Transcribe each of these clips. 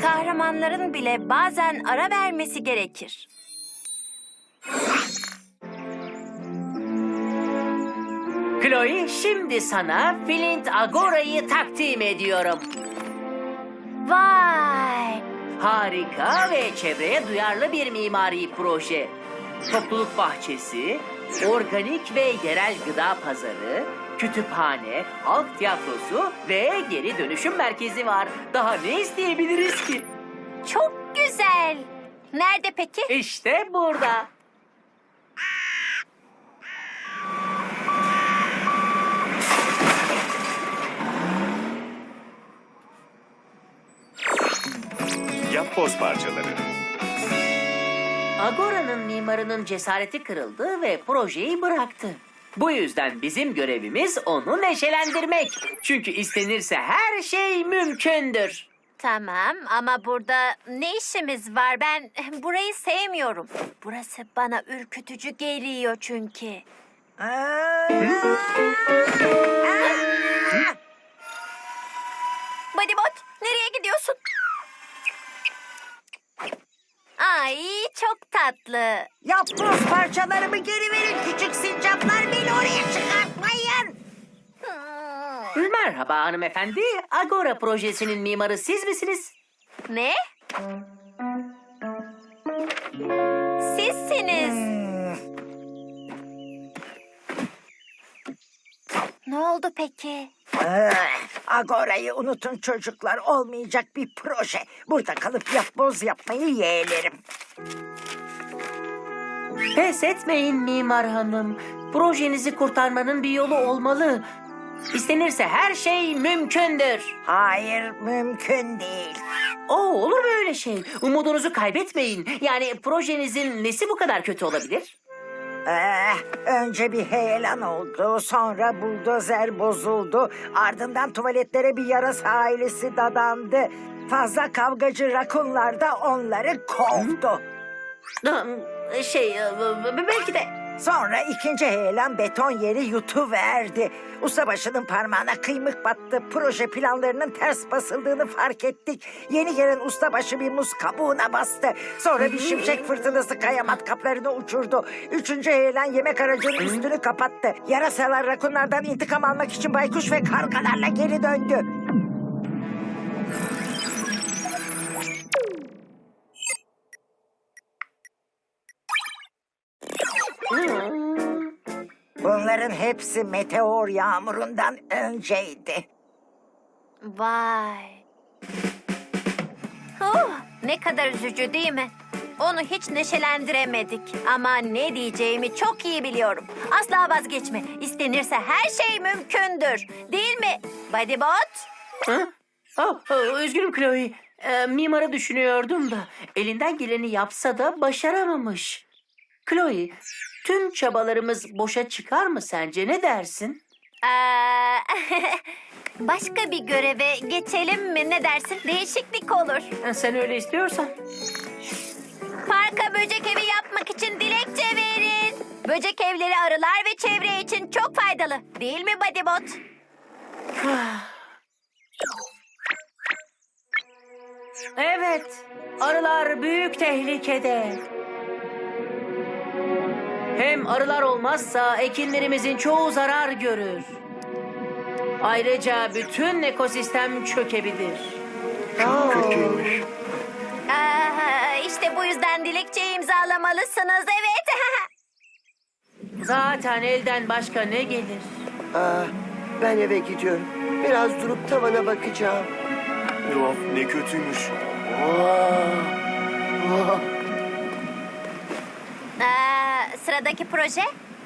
Kahramanların bile bazen ara vermesi gerekir. Chloe, şimdi sana Flint Agora'yı takdim ediyorum. Vay! Harika ve çevreye duyarlı bir mimari proje. Topluluk bahçesi, organik ve yerel gıda pazarı, kütüphane, halk tiyatrosu ve geri dönüşüm merkezi var. Daha ne isteyebiliriz ki? Çok güzel. Nerede peki? İşte burada. Yapboz parçaları. Agora'nın mimarının cesareti kırıldı ve projeyi bıraktı. Bu yüzden bizim görevimiz onu neşelendirmek. Çünkü istenirse her şey mümkündür. Tamam ama burada ne işimiz var? Ben burayı sevmiyorum. Burası bana ürkütücü geliyor çünkü. Bodybot, nereye gidiyorsun? Ay, çok tatlı. Yapboz parçalarımı geri verin küçük sincaplar, beni oraya çıkartmayın. Merhaba hanımefendi. Agora projesinin mimarı siz misiniz? Ne? Sizsiniz. Ne oldu peki? Agora'yı unutun çocuklar, olmayacak bir proje. Burada kalıp yapboz yapmayı yeğlerim. Pes etmeyin mimar hanım. Projenizi kurtarmanın bir yolu olmalı. İstenirse her şey mümkündür. Hayır, mümkün değil. Olur mu öyle şey? Umudunuzu kaybetmeyin. Yani projenizin nesi bu kadar kötü olabilir? Önce bir heyelan oldu, sonra buldozer bozuldu, ardından tuvaletlere bir yarasa ailesi dadandı. Fazla kavgacı rakunlar da onları kovdu. Belki de... Sonra ikinci heyelan beton yeri yutuverdi. Ustabaşının parmağına kıymık battı. Proje planlarının ters basıldığını fark ettik. Yeni gelen ustabaşı bir muz kabuğuna bastı. Sonra bir şimşek fırtınası kaya matkaplarını uçurdu. Üçüncü heyelan yemek aracının üstünü kapattı. Yarasalar rakunlardan intikam almak için baykuş ve kargalarla geri döndü. Bunların hepsi meteor yağmurundan önceydi. Vay. Ne kadar üzücü değil mi? Onu hiç neşelendiremedik. Ama ne diyeceğimi çok iyi biliyorum. Asla vazgeçme. İstenirse her şey mümkündür. Değil mi Bodybot? Üzgünüm Chloe. Mimarı düşünüyordum da elinden geleni yapsa da başaramamış. Chloe, tüm çabalarımız boşa çıkar mı sence? Ne dersin? Başka bir göreve geçelim mi? Ne dersin? Değişiklik olur. Sen öyle istiyorsan. Parka böcek evi yapmak için dilekçe verin. Böcek evleri arılar ve çevre için çok faydalı. Değil mi Bodybot? Evet, arılar büyük tehlikede. Hem arılar olmazsa ekinlerimizin çoğu zarar görür. Ayrıca bütün ekosistem çökebilir. Kötüymüş. İşte bu yüzden dilekçeyi imzalamalısınız. Evet. Zaten elden başka ne gelir? Ben eve gidiyorum. Biraz durup tavana bakacağım. Of, ne kötüymüş. Sıradaki proje?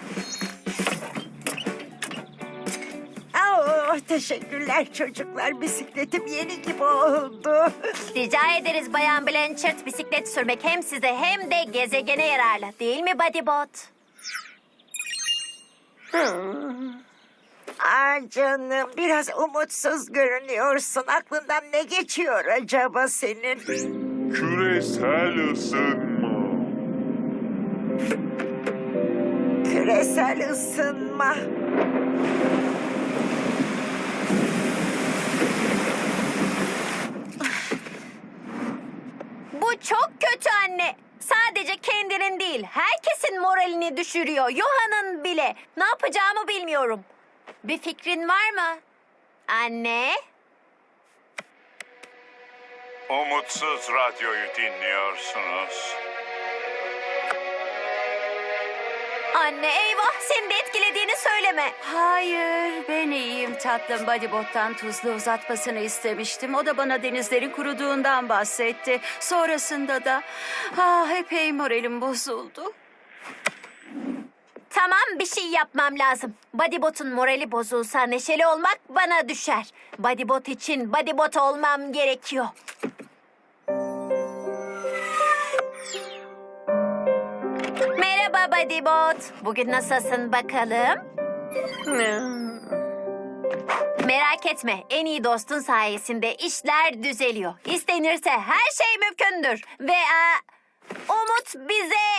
Teşekkürler çocuklar. Bisikletim yeni gibi oldu. Rica ederiz Bayan Blanchard. Bisiklet sürmek hem size hem de gezegene yararlı. Değil mi Bodybot? Ay canım, biraz umutsuz görünüyorsun. Aklından ne geçiyor acaba senin? Küresel ısınma. Küresel ısınma. Bu çok kötü anne. Sadece kendinin değil, herkesin moralini düşürüyor. Yohan'ın bile. Ne yapacağımı bilmiyorum. Bir fikrin var mı? Anne? Umutsuz radyoyu dinliyorsunuz. Anne eyvah, seni de etkilediğini söyleme. Hayır, ben iyiyim tatlım. Bodybot'tan tuzlu uzatmasını istemiştim. O da bana denizlerin kuruduğundan bahsetti. Sonrasında da epey moralim bozuldu. Tamam, bir şey yapmam lazım. Bodybot'un morali bozulsa neşeli olmak bana düşer. Bodybot için Bodybot olmam gerekiyor. Merhaba Bodybot. Bugün nasılsın bakalım? Merak etme, en iyi dostun sayesinde işler düzeliyor. İstenirse her şey mümkündür. Ve umut bize...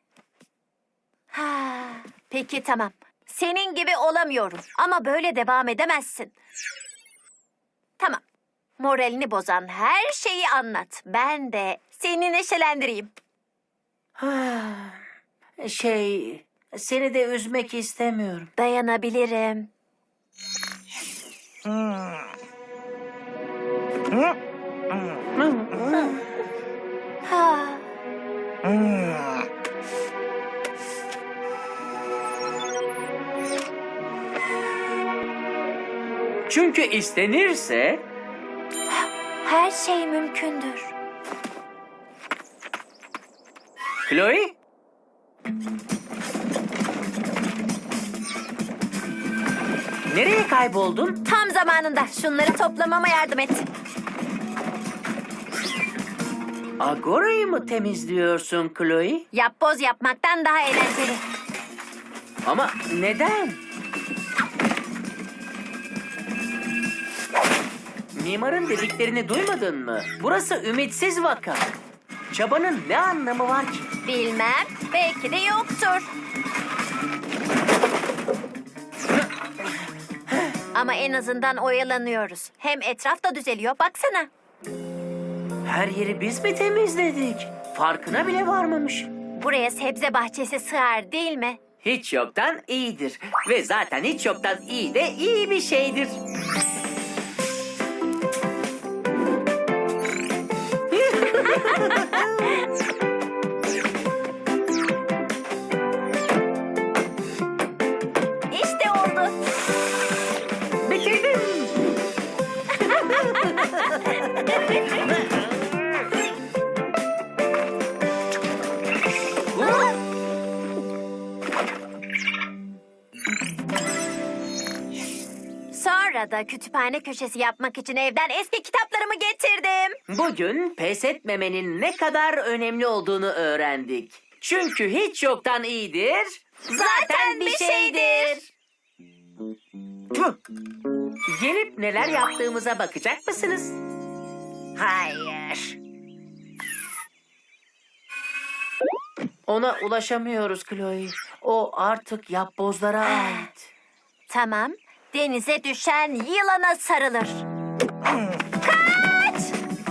Ha, peki tamam. Senin gibi olamıyorum ama böyle devam edemezsin. Tamam. Moralini bozan her şeyi anlat. Ben de seni neşelendireyim. Seni de üzmek istemiyorum. Dayanabilirim. Ha. Çünkü istenirse Her şey mümkündür. Chloe? Nereye kayboldun? Tam zamanında şunları toplamama yardım et. Agora'yı mı temizliyorsun Chloe? Yapboz yapmaktan daha eğlenceli. Ama neden? Mimarın dediklerini duymadın mı? Burası ümitsiz vaka. Çabanın ne anlamı var ki? Bilmem, belki de yoktur. Ama en azından oyalanıyoruz. Hem etraf da düzeliyor, baksana. Her yeri biz mi temizledik? Farkına bile varmamış. Buraya sebze bahçesi sığar değil mi? Hiç yoktan iyidir. Ve zaten hiç yoktan iyi de iyi bir şeydir. İşte oldu. Bitirdim. Sonra da kütüphane köşesi yapmak için evden eski kitaplarımı getirdim. Bugün pes etmemenin ne kadar önemli olduğunu öğrendik. Çünkü hiç yoktan iyidir. Zaten bir şeydir. Gelip neler yaptığımıza bakacak mısınız? Hayır. Ona ulaşamıyoruz Chloe. O artık yapbozlara ait. Tamam, denize düşen yılana sarılır. Kaç!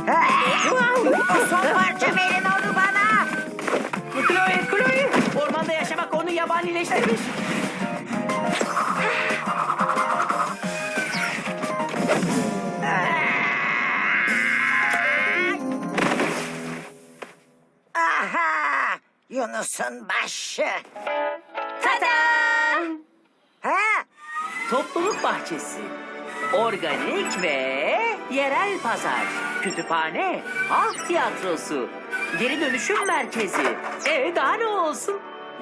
O son parça verin onu bana. Chloe! Ormanda yaşamak onu yabanileştirmiş. Aha! Yunus'un başı. Tada! Ha? Topluluk bahçesi, organik ve yerel pazar, kütüphane, halk tiyatrosu, geri dönüşüm merkezi. Daha ne olsun?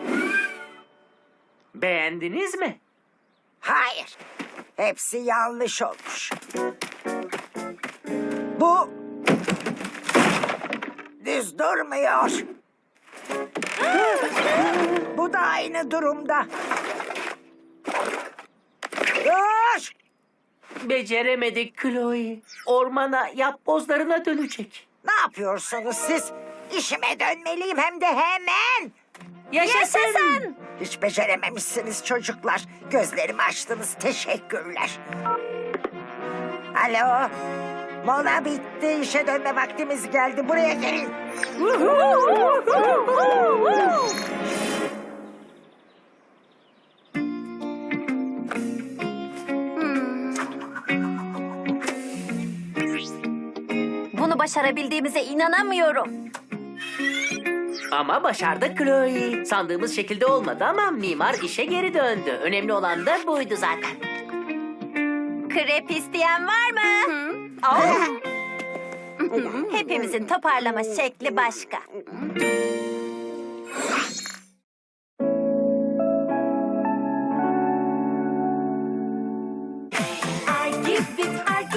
Beğendiniz mi? Hayır. Hepsi yanlış olmuş. Bu düz durmuyor. Bu da aynı durumda. Dur! Beceremedik Chloe. Ormana yapbozlarına dönecek. Ne yapıyorsunuz siz? İşime dönmeliyim hem de hemen. Yaşasın! Hiç becerememişsiniz çocuklar. Gözlerimi açtınız. Teşekkürler. Alo. Mola bitti. İşe dönme vaktimiz geldi. Buraya gelin. Bunu başarabildiğimize inanamıyorum. Ama başardık Chloe. Sandığımız şekilde olmadı ama mimar işe geri döndü. Önemli olan da buydu zaten. Krep isteyen var mı? Hepimizin toparlama şekli başka.